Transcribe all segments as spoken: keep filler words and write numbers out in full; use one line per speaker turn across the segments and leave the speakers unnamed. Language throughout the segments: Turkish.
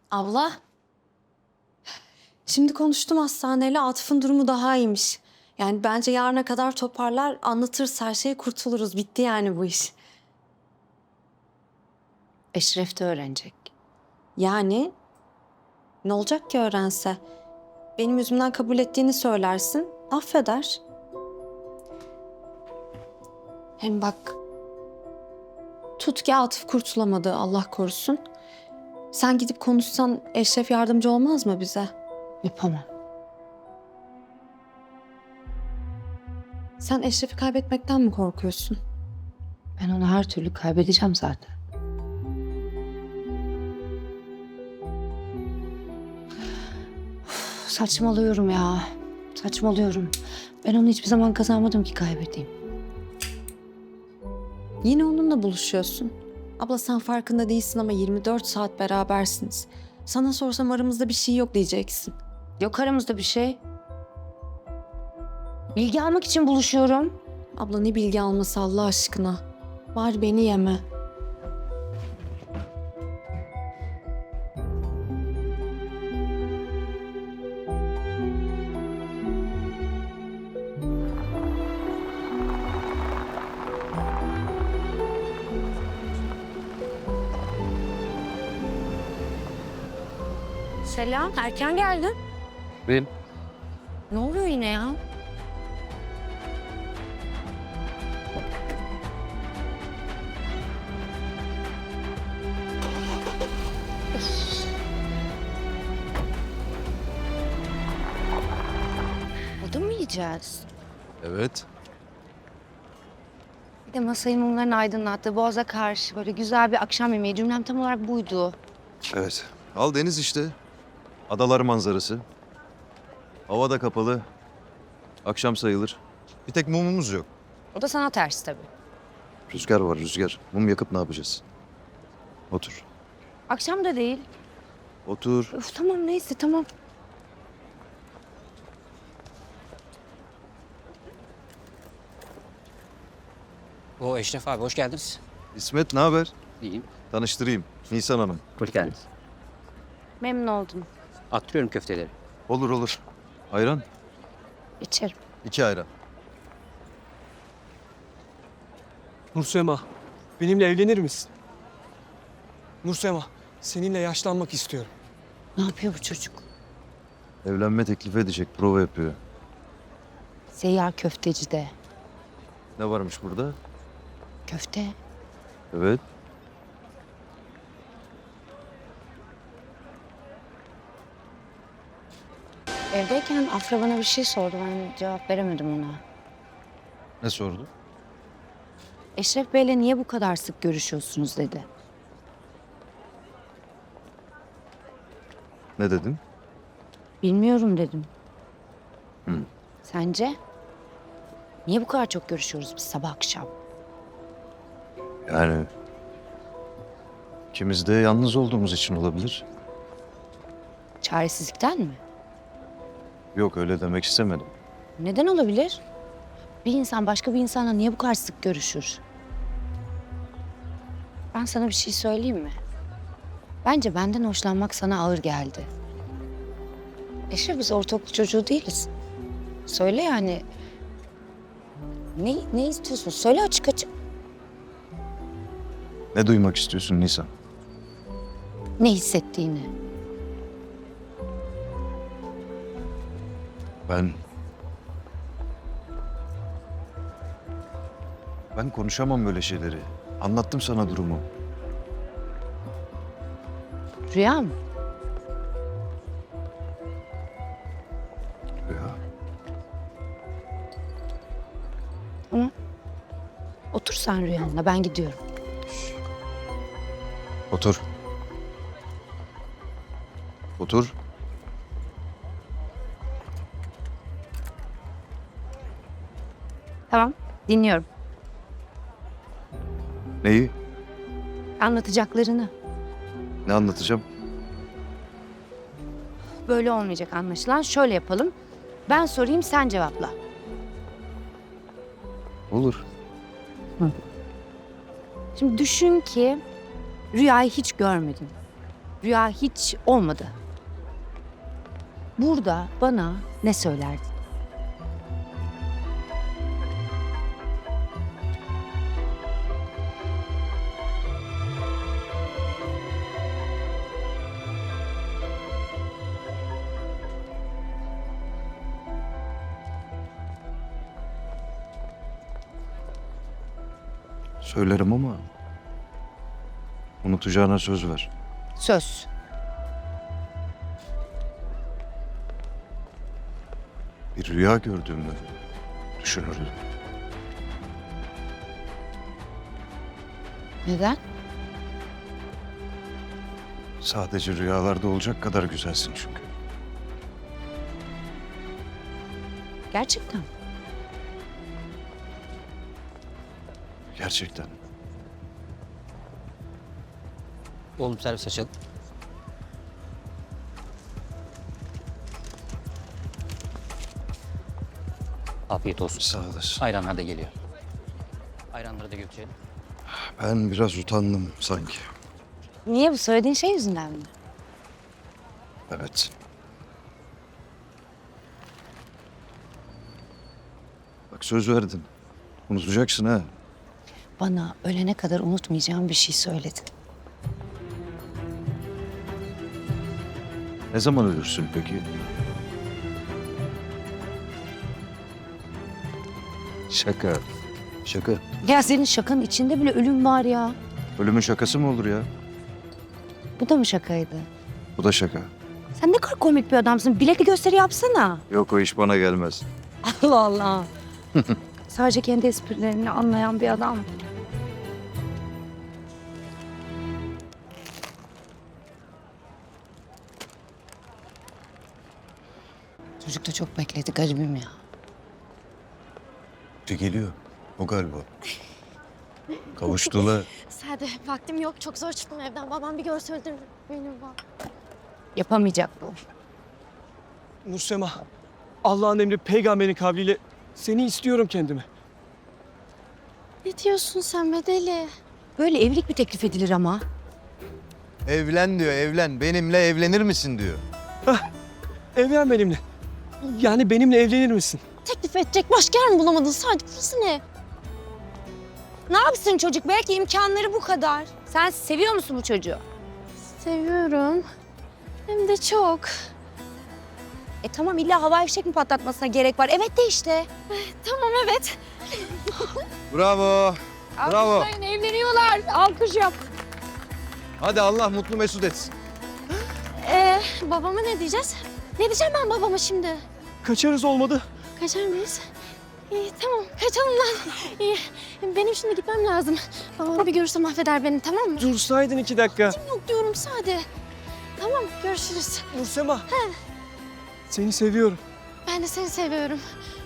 Abla, şimdi konuştum hastaneyle. Atıf'ın durumu daha iyiymiş. Yani bence yarına kadar toparlar, anlatırız her şeyi, kurtuluruz. Bitti yani bu iş.
Eşref de öğrenecek.
Yani ne olacak ki öğrense? Benim yüzümden kabul ettiğini söylersin, affeder. Hem bak, tut ki Atıf kurtulamadı, Allah korusun. Sen gidip konuşsan Eşref yardımcı olmaz mı bize?
Yapamam.
Sen Eşref'i kaybetmekten mi korkuyorsun?
Ben onu her türlü kaybedeceğim zaten. Üf, saçmalıyorum ya. Saçmalıyorum. Ben onu hiçbir zaman kazanmadım ki kaybedeyim.
Yine onunla buluşuyorsun. Abla sen farkında değilsin ama yirmi dört saat berabersiniz. Sana sorsam aramızda bir şey yok diyeceksin.
Yok aramızda bir şey. Bilgi almak için buluşuyorum.
Abla ne bilgi alması Allah aşkına. Var beni yeme.
Selam. Erken geldin.
Benim.
Ne oluyor yine ya? Burada mı yiyeceğiz?
Evet.
Bir de masayı mumların aydınlattığı Boğaz'a karşı böyle güzel bir akşam yemeği. Cümlem tam olarak buydu.
Evet. Al deniz işte. Adalar manzarası. Hava da kapalı. Akşam sayılır. Bir tek mumumuz yok.
O da sana ters tabii.
Rüzgar var rüzgar. Mum yakıp ne yapacağız? Otur.
Akşam da değil.
Otur.
Öf, tamam neyse tamam.
O Eşref abi hoş geldiniz.
İsmet ne haber?
İyiyim.
Tanıştırayım. Nisan Hanım.
Hoş geldiniz.
Memnun oldum.
Attırıyorum köfteleri.
Olur olur. Ayran?
İçerim.
İki ayran.
Nursema, benimle evlenir misin? Nursema, seninle yaşlanmak istiyorum.
Ne yapıyor bu çocuk?
Evlenme teklif edecek. Prova yapıyor.
Seyyar köftecide.
Ne varmış burada?
Köfte.
Evet.
Evdeyken Afra bana bir şey sordu. Ben cevap veremedim ona.
Ne sordu?
Eşref Bey'le niye bu kadar sık görüşüyorsunuz dedi.
Ne dedin?
Bilmiyorum dedim.
Hı.
Sence? Niye bu kadar çok görüşüyoruz biz sabah akşam?
Yani... ikimiz de yalnız olduğumuz için olabilir.
Çaresizlikten mi?
Yok öyle demek istemedim.
Neden olabilir? Bir insan başka bir insanla niye bu kadar sık görüşür? Ben sana bir şey söyleyeyim mi? Bence benden hoşlanmak sana ağır geldi. Eşref biz ortaokul çocuğu değiliz. Söyle yani. Ne, ne istiyorsun? Söyle açık açık.
Ne duymak istiyorsun Nisan?
Ne hissettiğini.
Ben... Ben konuşamam böyle şeyleri. Anlattım sana durumu.
Rüya mı?
Ya,
Tamam. Otur sen rüyanla ben gidiyorum.
otur. Otur.
Tamam dinliyorum.
Neyi?
Anlatacaklarını.
Ne anlatacağım?
Böyle olmayacak anlaşılan. Şöyle yapalım. Ben sorayım sen cevapla.
Olur.
Şimdi düşün ki rüyayı hiç görmedin. rüya hiç olmadı. Burada bana ne söylerdin?
Söylerim ama unutacağına söz ver.
Söz.
Bir rüya gördüğümü düşünürdüm.
Neden?
Sadece rüyalarda olacak kadar güzelsin çünkü.
Gerçekten.
Gerçekten.
Oğlum servis açalım. Afiyet olsun.
Sağ olasın.
Ayranlar da geliyor. Ayranları da götürelim.
Ben biraz utandım sanki.
Niye, bu söylediğin şey yüzünden mi?
Evet. Bak söz verdin. Unutacaksın ha.
Bana ölene kadar unutmayacağım bir şey söyledin.
Ne zaman ölürsün peki? Şaka. Şaka.
Ya senin şakanın içinde bile ölüm var ya.
Ölümün şakası mı olur ya?
Bu da mı şakaydı?
Bu da şaka.
Sen ne kadar komik bir adamsın. Bilekli gösteri yapsana.
Yok o iş bana gelmez.
Allah Allah. Sadece kendi esprilerini anlayan bir adam. Çocuk da çok bekledi, garibim ya.
Bir geliyor. O galiba. Kavuştular.
Sade, vaktim yok. Çok zor çıktım evden. Babam bir görse öldürür beni. bak.
Yapamayacak bu.
Nursema, Allah'ın emri peygamberin kavliyle seni istiyorum kendime.
Ne diyorsun sen be deli?
Böyle evlilik bir teklif edilir ama.
Evlen diyor evlen. Benimle evlenir misin diyor.
Evlen benimle. Yani benimle evlenir misin?
Teklif edecek başka yer mi bulamadın? Sade, burası ne?
Ne yapsın çocuk? Belki imkanları bu kadar. Sen seviyor musun bu çocuğu?
Seviyorum. Hem de çok.
E tamam, illa havai fişek mi patlatmasına gerek var? Evet de işte.
Tamam, evet.
Bravo. Bravo.
Alkışlayın, evleniyorlar. Alkış yap.
Hadi Allah mutlu mesut etsin.
Ee, babama ne diyeceğiz? Ne diyeceğim ben babama şimdi?
Kaçarız olmadı.
Kaçar mıyız? İyi, tamam. Kaçalım lan. İyi. Benim şimdi gitmem lazım. Babam bir görürse mahveder beni, tamam mı?
Dursaydın iki dakika.
Yok diyorum Sade. Tamam, görüşürüz.
Nursema. Seni seviyorum.
Ben de seni seviyorum.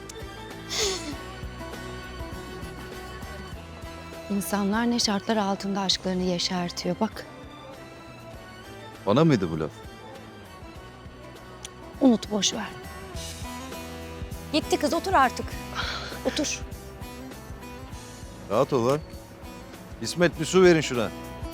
İnsanlar ne şartlar altında aşklarını yeşertiyor bak.
Bana mıydı bu laf?
Unut, boş ver. Gitti kız, otur artık. Otur.
Rahat ol lan. İsmet bir su verin şuna.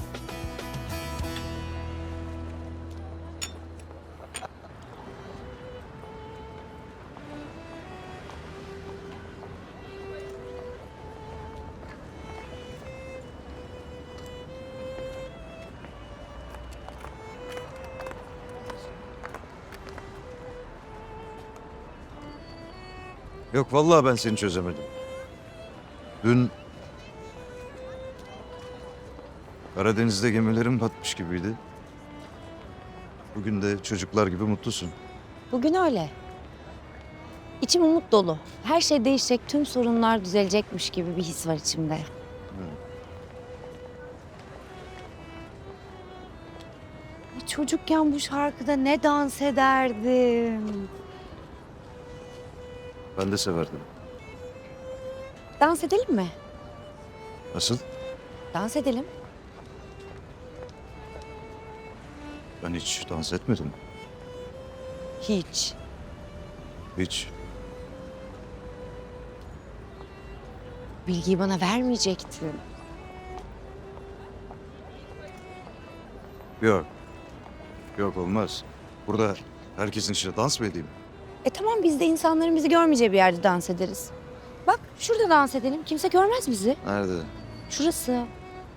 Yok vallahi ben seni çözemedim. Dün Karadeniz'de gemilerim batmış gibiydi. Bugün de çocuklar gibi mutlusun.
Bugün öyle. İçim umut dolu. Her şey değişecek, tüm sorunlar düzelecekmiş gibi bir his var içimde. Çocukken bu şarkıda ne dans ederdim.
Ben de severdim.
Dans edelim mi?
Nasıl?
Dans edelim.
Ben hiç dans etmedim.
Hiç.
Hiç.
Bilgiyi bana vermeyecektin.
Yok. Yok olmaz. Burada herkesin içinde dans mı edeyim?
E tamam biz de insanların bizi görmeyeceği bir yerde dans ederiz. Bak şurada dans edelim. Kimse görmez bizi.
Nerede?
Şurası.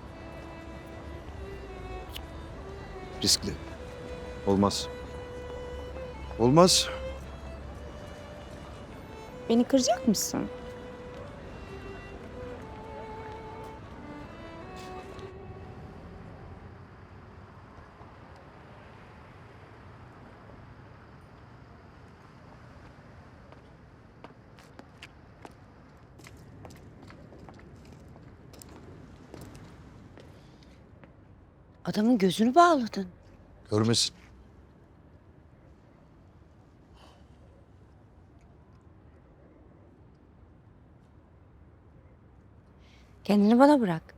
Riskli. Olmaz. Olmaz.
Beni kıracak mısın? Adamın gözünü bağladın.
Görmesin.
Kendini bana bırak.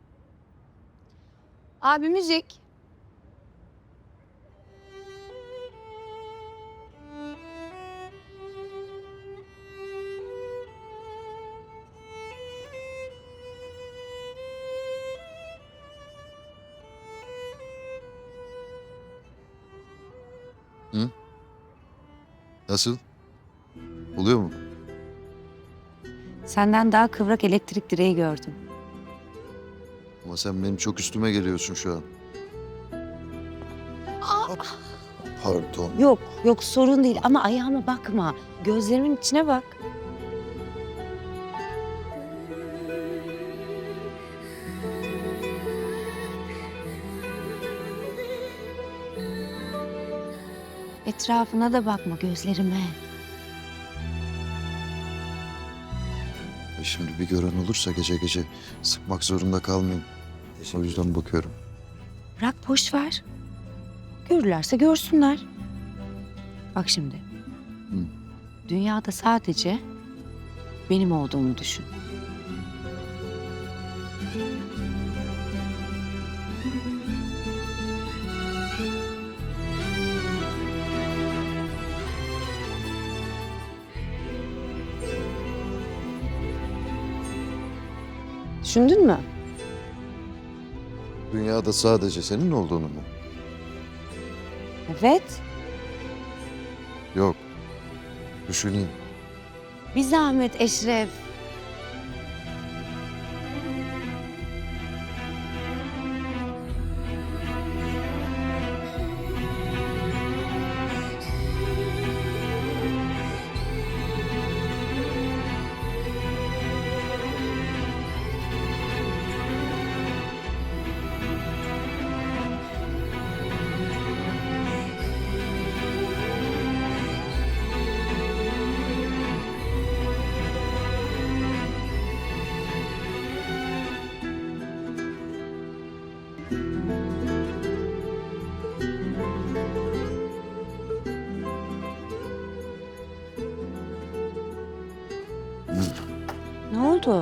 Abi müzik.
Nasıl? Oluyor mu?
Senden daha kıvrak elektrik direği gördüm.
Ama sen benim çok üstüme geliyorsun şu an. Hop. Pardon.
Yok, yok sorun değil ama ayağıma bakma. Gözlerimin içine bak. Etrafına da bakma, gözlerime.
E şimdi bir gören olursa gece gece sıkmak zorunda kalmayayım. O yüzden bakıyorum.
Bırak boş ver. Görürlerse görsünler. Bak şimdi. Dünyada sadece benim olduğumu düşün. Düşündün mü?
Dünyada sadece senin olduğunu mu?
Evet.
Yok. Düşüneyim.
Bir zahmet Eşref. Ne oldu?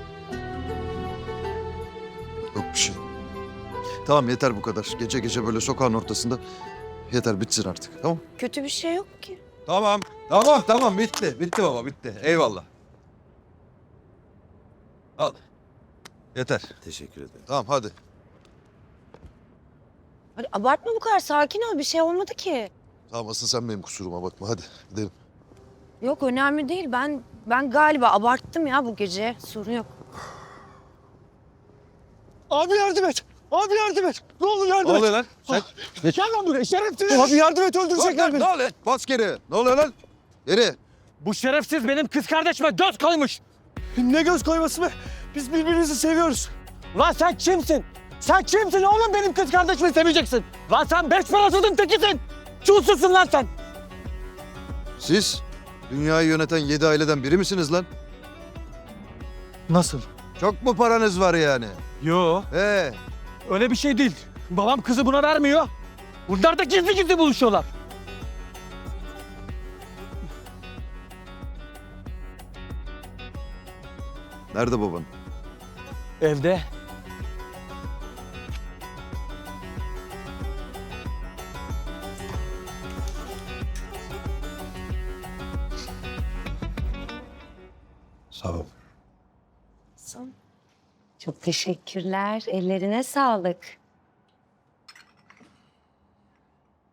Yok bir şey. Tamam yeter bu kadar. Gece gece böyle sokağın ortasında yeter bitsin artık. Tamam.
Kötü bir şey yok ki.
Tamam. Tamam tamam bitti. Bitti baba bitti. Eyvallah. Al. Yeter.
Teşekkür ederim.
Tamam hadi.
Hadi abartma bu kadar, sakin ol. Bir şey olmadı ki.
Tamam asıl sen benim kusuruma bakma hadi gidelim.
Yok önemli değil. Ben ben galiba abarttım ya bu gece. Sorun yok.
Abi yardım et. Abi yardım et. Ne olur yardım et.
lan? Sen...
Gel lan buraya şerefsiz. Abi yardım et, öldürecekler beni.
Ne oluyor? Bas geri. Ne oluyor lan? Geri.
Bu şerefsiz benim kız kardeşime göz koymuş. Ne göz koyması be? Biz birbirimizi seviyoruz. Lan sen kimsin? Sen kimsin oğlum benim kız kardeşimi seveceksin? Lan sen beş parasızın tekisin. Çulsuzsun lan sen.
Siz dünyayı yöneten yedi aileden biri misiniz lan?
Nasıl?
Çok mu paranız var yani?
Yo,
He.
öyle bir şey değil. Babam kızı buna vermiyor. Bunlar da gizli gizli buluşuyorlar.
Nerede baban?
Evde.
Sağ ol.
Çok teşekkürler. Ellerine sağlık.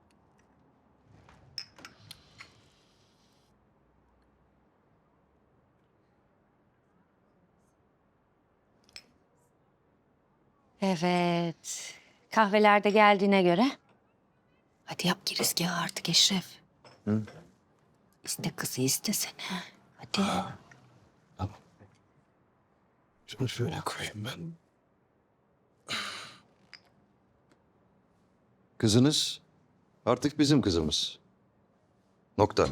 Evet. Kahveler de geldiğine göre. Hadi yap girizgahı artık Eşref.
Hı?
İste kızı istesene. Hadi.
Şunu şöyle koyayım ben. Kızınız artık bizim kızımız. Nokta.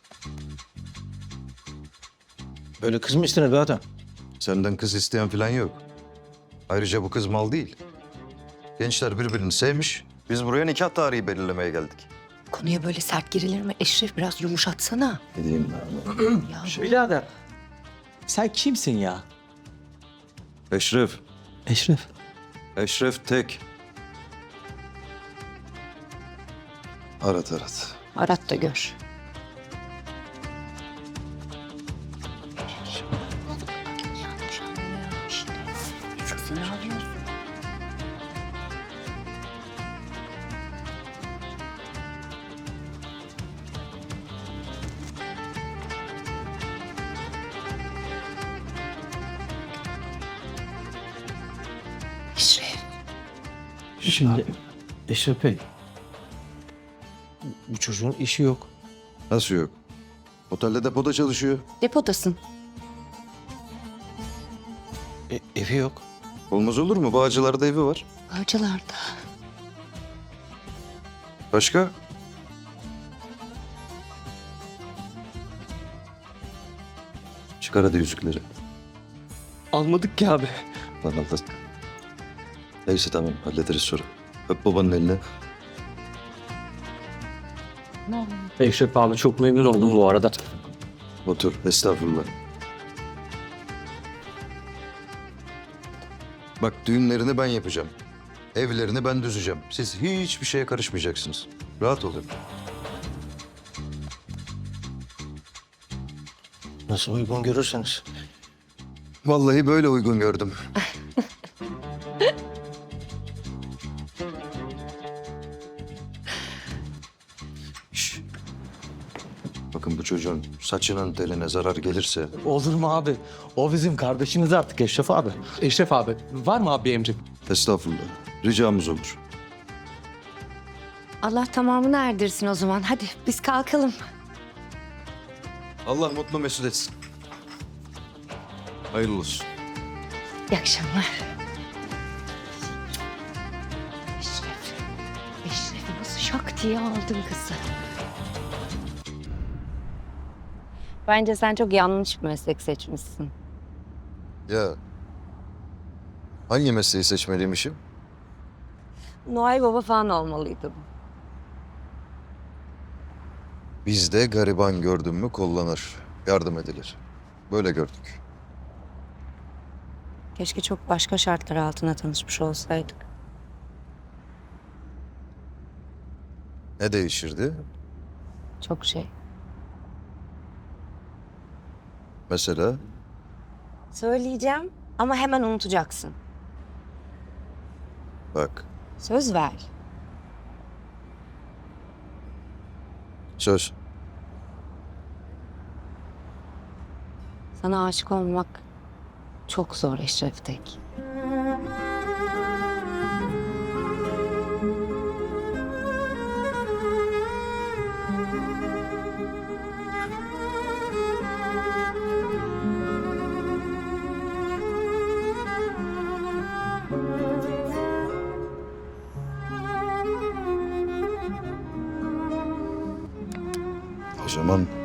Böyle kız mı istenir be adam?
Senden kız isteyen falan yok. Ayrıca bu kız mal değil. Gençler birbirini sevmiş. Biz buraya nikah tarihi belirlemeye geldik.
Konuya böyle sert girilir mi? Eşref biraz yumuşatsana.
Ne diyeyim
Ya
Birader. Sen kimsin ya?
Eşref.
Eşref.
Eşref Tek. Arat arat.
arat da gör. Yanlış anlıyor işte. Kızını alıyorsun. Eşref.
Şimdi Eşref Bey. Bu çocuğun işi yok.
Nasıl yok? Otelde depoda çalışıyor.
Depodasın.
E, evi yok.
Olmaz olur mu? Bağcılar'da evi var.
Bağcılar'da.
Başka? Çıkar hadi yüzükleri.
Almadık ki abi.
Lan Allah. Neyse tamam hallederiz sonra. Öp babanın eline.
Ne oldu?
Eşref abi çok memnun oldum bu arada.
Otur. Estağfurullah. Bak düğünlerini ben yapacağım. Evlerini ben düzeceğim. Siz hiçbir şeye karışmayacaksınız. Rahat olun.
Nasıl uygun görürseniz.
Vallahi böyle uygun gördüm. Şş. Bakın bu çocuğun saçının teline zarar gelirse
Olur mu abi? O bizim kardeşimiz artık Eşref abi. Eşref abi var mı abi bir emrin?
estağfurullah. Ricamız olur.
Allah tamamını erdirsin o zaman. Hadi biz kalkalım.
Allah mutlu mesut etsin. Hayırlı olsun.
İyi akşamlar. Eşref. Eşref nasıl şak diye aldın kızı. Bence sen çok yanlış bir meslek seçmişsin.
Ya hangi mesleği seçmeliymişim?
Noel Baba falan olmalıydın.
Bizde gariban gördün mü kollanır, yardım edilir. Böyle gördük.
Keşke çok başka şartlar altında tanışmış olsaydık.
Ne değişirdi?
Çok şey.
Mesela
Söyleyeceğim ama hemen unutacaksın.
bak
Söz ver.
söz.
Sana aşık olmak çok zor Eşref Tek.
O zaman